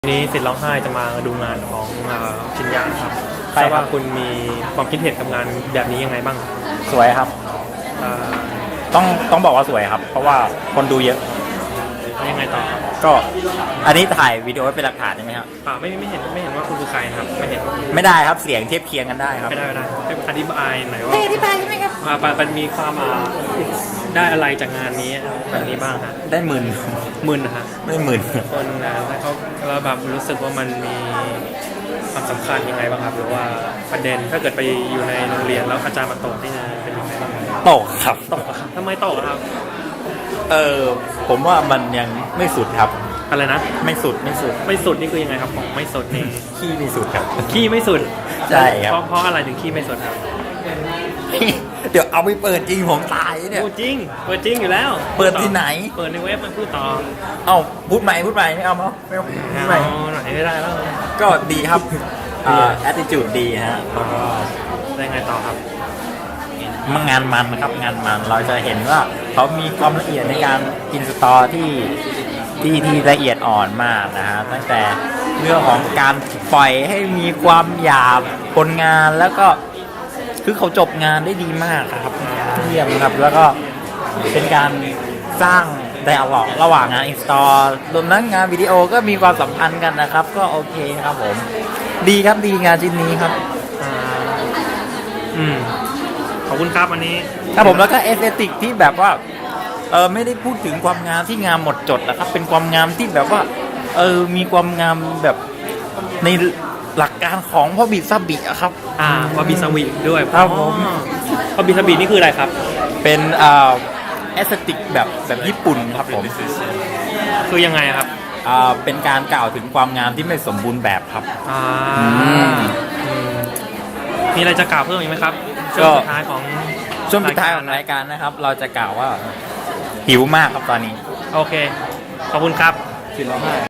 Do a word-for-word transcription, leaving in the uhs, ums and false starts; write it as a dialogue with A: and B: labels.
A: วันนี้สิทธิ์ร้องไห้จะมาดูงานของชินยะครับ
B: ใช่ครับ
A: ว่าคุณมีความคิดเห็นกับงานแบบนี้ยังไงบ้าง
B: สวยครับ
A: อ่า
B: ต้องต้องบอกว่าสวยครับ เพราะว่าคนดูเยอะ
A: แล้วยังไงต่อครับ
B: ก็อันนี้ถ่ายวิดีโอไว้เป็นหลักฐานใช่ไหมครับ
A: อ่าไม่ไม่เห็นไม่เห็นว่าคุณคือใครนะครับไม่เห็น
B: ไม่ได้ครับเสียงเทียบเคียงกันได้ครับ
A: ไม่ได้ไม่ได้ให้อธิบายหน่อยว่า
B: อธิบายใช่ไหมครับ
A: อ่าปมันมีความอ่าได้อะไรจากงานนี้แบบนี้บ้างฮะ
B: ได้หมื่น
A: มึนนะฮะ
B: ไม่หมื่น
A: คนนะถ้าเขาเราแบบรู้สึกว่ามันมีความสำคัญยังไงบ้างครับหรือว่าประเด็นถ้าเกิดไปอยู่ในโรงเรียนแล้วอาจารย์มาตกนี่นะเป็นยังไงบ้าง
B: ตกครับ
A: ตกอะครับทำไมตกอะครับ
B: เออผมว่ามันยังไม่สุดครับ
A: อะไรนะ
B: ไม่สุดไม่สุด
A: ไม่สุดนี่คือยังไงครับของไม่สุดนี่
B: ขี้ไม่สุดครับ
A: ขี้ไม่สุด
B: ใช่ครับ
A: เพราะเพราะอะไรถึงขี้ไม่สุดครับ
B: เดี๋ยวเอาไปเปิดจริงผมตายเนี่ย
A: พูดจริงเปิดจริงอยู่แล้ว
B: เปิดที่ไหน
A: เปิดในเว็บมันพูดต่อ
B: เอ้าพูดใหม่พูดใหม่ไม่เอาเนาะไม่เอาพูดใหม่
A: เอาไหนไม่ได้แล้ว
B: ก็ดีครับอ่า attitude ดีฮะแล้วก็
A: ได้ไงต่อครับ
B: มันงานมันนะครับงานมันเราจะเห็นว่าเขามีความละเอียดในการอินสตอลที่ที่ที่ละเอียดอ่อนมากนะฮะตั้งแต่เรื่องของการปล่อยให้มีความหยาบผลงานแล้วก็คือเขาจบงานได้ดีมากครับเยี่ยมครับแล้วก็เป็นการสร้างไดอะล็อกระหว่างงานอินสตอลรวมทั้งงานวิดีโอก็มีความสัมพันธ์กันนะครับ ก็โอเคครับผมดีครับดีงานชิ้นนี้ครับ
A: อ่าอืมขอบคุณครับวันนี้
B: ครับผมแล้วก็เอสเตติกที่แบบว่าเออไม่ได้พูดถึงความงามที่งามหมดจดนะครับเป็นความงามที่แบบว่าเออมีความงามแบบในหลักการของพ่อบิดซาบิอะครับ
A: อ่าวาบิซาบิด้วย
B: ครับผม
A: อ๋อวาบิซาบินี่คืออะไรครับ
B: เป็นเอ่อเอสเตติกแบบแบบญี่ปุ่นครับผม
A: คือยังไงครับ
B: อ่าเป็นการกล่าวถึงความงามที่ไม่สมบูรณ์แบบครับ
A: อ่า
B: อืม
A: อืมมีอะไรจะกล่าวเพิ่มอีกไหมครับ
B: ก็
A: ช่วงสุดท้ายของ
B: ช่วงปิดท้ายของรายการนะครับ เราจะกล่าวว่าหิวมากครับตอนนี้
A: โอเค ขอบคุณครับ
B: สิบร้อยห้า